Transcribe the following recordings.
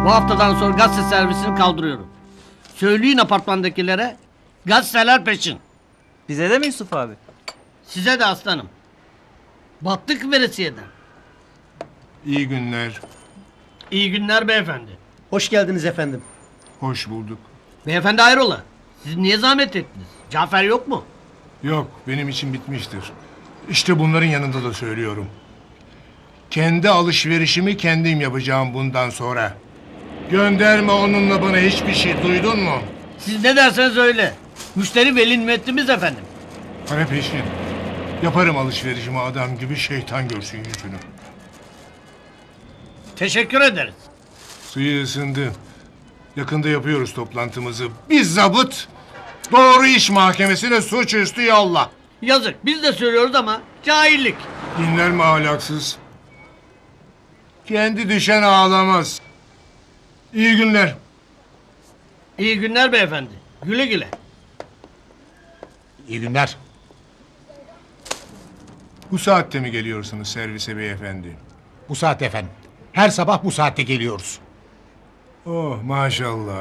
Bu haftadan sonra gazete servisini kaldırıyorum. Söyleyin apartmandakilere, gazeteler peşin. Bize de mi Yusuf abi? Size de aslanım. Battık veresiyeden. İyi günler. İyi günler beyefendi. Hoş geldiniz efendim. Hoş bulduk. Beyefendi hayrola? Siz niye zahmet ettiniz? Cafer yok mu? Yok, benim için bitmiştir. İşte bunların yanında da söylüyorum. Kendi alışverişimi kendim yapacağım bundan sonra. Gönderme onunla bana hiçbir şey, duydun mu? Siz ne derseniz öyle. Müşteri veli nimetimiz efendim. Para peşin. Yaparım alışverişimi adam gibi, şeytan görsün yüzünü. Teşekkür ederiz. Suyu ısındı. Yakında yapıyoruz toplantımızı. Bir zabıt doğru iş mahkemesine suçüstü yolla. Yazık biz de söylüyoruz ama cahillik. Dinler mi ahlaksız? Kendi düşen ağlamaz. İyi günler. İyi günler beyefendi. Güle güle. İyi günler. Bu saatte mi geliyorsunuz servise beyefendi? Bu saat efendim. Her sabah bu saatte geliyoruz. Oh maşallah.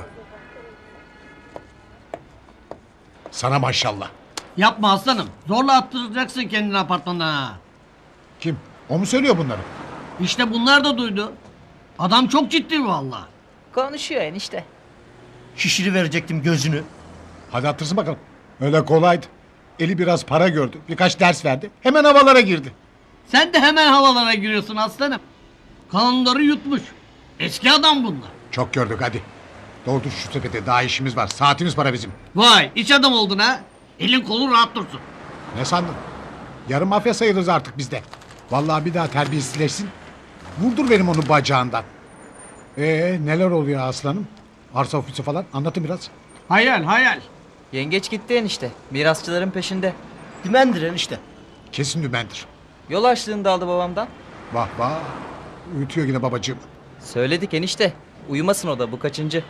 Sana maşallah. Yapma aslanım. Zorla attıracaksın kendini apartmandan ha. Kim? O mu söylüyor bunları? İşte bunlar da duydu. Adam çok ciddi vallahi. Konuşuyor enişte. Şişiri verecektim gözünü. Hadi attırsın bakalım. Öyle kolaydı. Eli biraz para gördü. Birkaç ders verdi. Hemen havalara girdi. Sen de hemen havalara giriyorsun aslanım. Kanunları yutmuş. Eski adam bunlar. Çok gördük hadi. Doldur şu sepete, daha işimiz var. Saatimiz para bizim. Vay iç adam oldun ha. Elin kolun rahat dursun. Ne sandın? Yarım mafya sayılırız artık bizde. Vallahi bir daha terbiyesizleşsin. Vurdur benim onu bacağından. Neler oluyor aslanım? Arsa ofisi falan anlatın biraz. Hayal hayal. Yengeç gitti enişte. Mirasçıların peşinde. Dümendir enişte. Kesin dümendir. Yol açlığını da aldı babamdan. Vah vah. Uyutuyor yine babacığım. Söyledik enişte. Uyumasın o da, bu kaçıncı.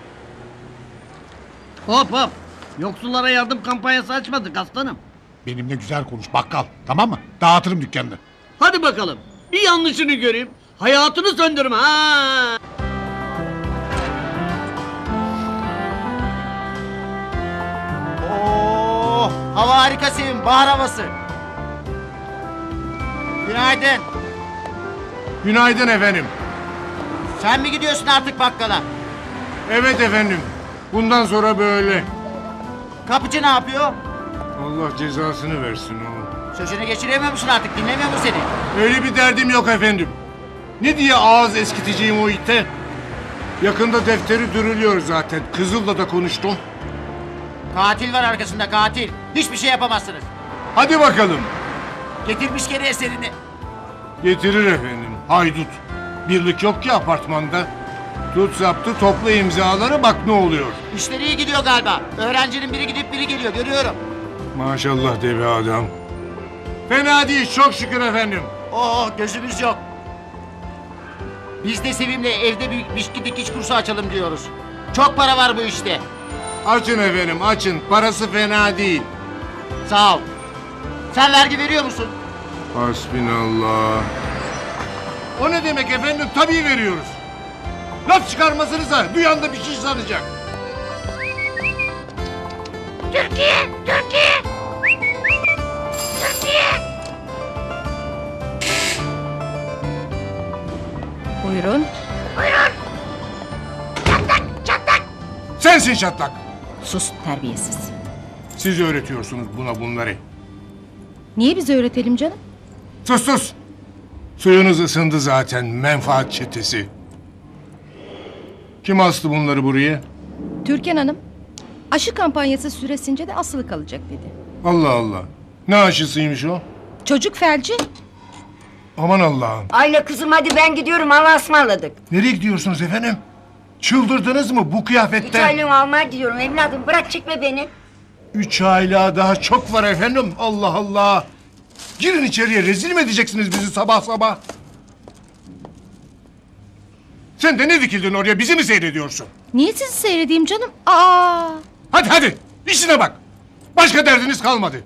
Hop hop. Yoksullara yardım kampanyası açmadık aslanım. Benimle güzel konuş bakkal. Tamam mı? Dağıtırım dükkanını. Hadi bakalım. Bir yanlışını göreyim. Hayatını söndürme ha. Oo, hava harika Sevim, bahar havası. Günaydın. Günaydın efendim. Sen mi gidiyorsun artık bakkala? Evet efendim. Bundan sonra böyle. Kapıcı ne yapıyor? Allah cezasını versin o. Sözünü geçiremiyor musun artık, dinlemiyor mu seni? Öyle bir derdim yok efendim. Ne diye ağız eskiteceğim o ite? Yakında defteri dürülüyor zaten. Kızıl'la da konuştum. Katil var arkasında, katil. Hiçbir şey yapamazsınız. Hadi bakalım. Getirmiş geri eserini. Getirir efendim. Haydut. Birlik yok ki apartmanda. Tut zaptı, topla imzaları, bak ne oluyor. İşleri iyi gidiyor galiba. Öğrencinin biri gidip biri geliyor, görüyorum. Maşallah deve adam. Fena değil, çok şükür efendim. Oo, gözümüz yok. Biz de Sevim'le evde bir biçki dikiş kursu açalım diyoruz. Çok para var bu işte. Açın efendim, açın. Parası fena değil. Sağ ol. Sen vergi veriyor musun? Hasbinallah. O ne demek efendim? Tabii veriyoruz. Laf çıkarmasınıza, duyan da bir şey sanacak. Buyurun. Sensin çatlak. Sus terbiyesiz. Siz öğretiyorsunuz buna bunları. Niye bize öğretelim canım? Sus sus. Suyunuz ısındı zaten, menfaat çetesi. Kim astı bunları buraya? Türkan Hanım aşı kampanyası süresince de asılı kalacak dedi. Allah Allah. Ne aşısıymış o? Çocuk felci. Aman Allah'ım. Ayla kızım hadi ben gidiyorum, hava ısmarladık. Nereye gidiyorsunuz efendim? Çıldırdınız mı bu 3 kıyafette? aylığımı almaya gidiyorum evladım, bırak çekme beni. 3 aylığa daha çok var efendim. Allah Allah. Girin içeriye, rezil mi edeceksiniz bizi sabah sabah? Sen de ne dikildin oraya, bizi mi seyrediyorsun? Niye sizi seyredeyim canım? Aa! Hadi hadi, işine bak. Başka derdiniz kalmadı.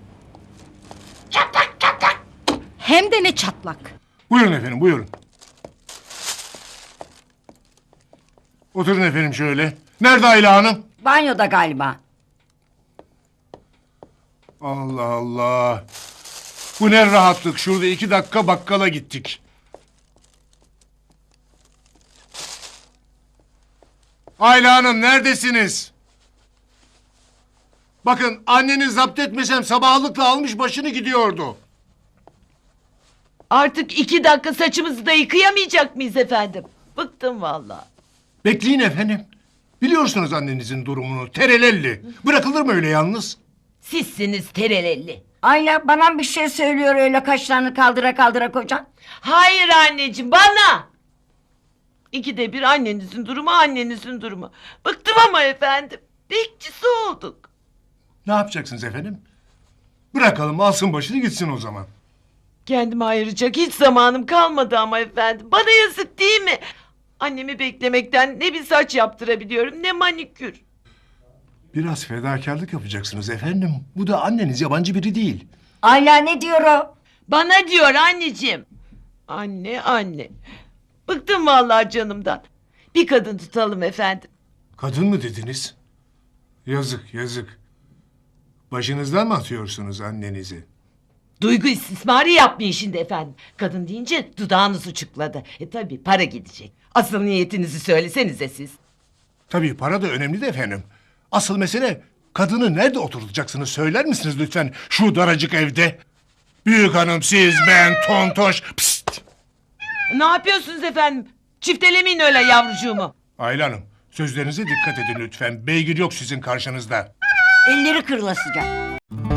Hem de ne çatlak. Buyurun efendim, buyurun. Oturun efendim şöyle. Nerede Ayla Hanım? Banyoda galiba. Allah Allah. Bu ne rahatlık. Şurada 2 dakika bakkala gittik. Ayla Hanım neredesiniz? Bakın anneni zapt etmesem sabahlıkla almış başını gidiyordu. Artık 2 dakika saçımızı da yıkayamayacak mıyız efendim? Bıktım vallahi. Bekleyin efendim. Biliyorsunuz annenizin durumunu. Terelelli. Bırakılır mı öyle yalnız? Sizsiniz terelelli. Ayla bana bir şey söylüyor öyle kaşlarını kaldıra kaldıra kocan. Hayır anneciğim, bana. 2'de bir annenizin durumu, annenizin durumu. Bıktım ama efendim. Bekçisi olduk. Ne yapacaksınız efendim? Bırakalım alsın başını gitsin o zaman. Kendime ayıracak hiç zamanım kalmadı ama efendim. Bana yazık değil mi? Annemi beklemekten ne bir saç yaptırabiliyorum ne manikür. Biraz fedakarlık yapacaksınız efendim. Bu da anneniz yabancı biri değil. Ayla ne diyor o? Bana diyor anneciğim. Anne. Bıktım vallahi canımdan. Bir kadın tutalım efendim. Kadın mı dediniz? Yazık yazık. Başınızdan mı atıyorsunuz annenizi? Duygu istismarı yapmayın şimdi efendim. Kadın deyince dudağınız uçukladı. Tabi para gidecek. Asıl niyetinizi söylesenize siz. Tabii para da önemli de efendim. Asıl mesele kadını nerede oturtacaksınız söyler misiniz lütfen şu daracık evde? Büyük hanım siz ben tontoş pst. Ne yapıyorsunuz efendim? Çiftelemeyin öyle yavrucuğumu. Ayla Hanım sözlerinize dikkat edin lütfen. Beygir yok sizin karşınızda. Elleri kırılasıca.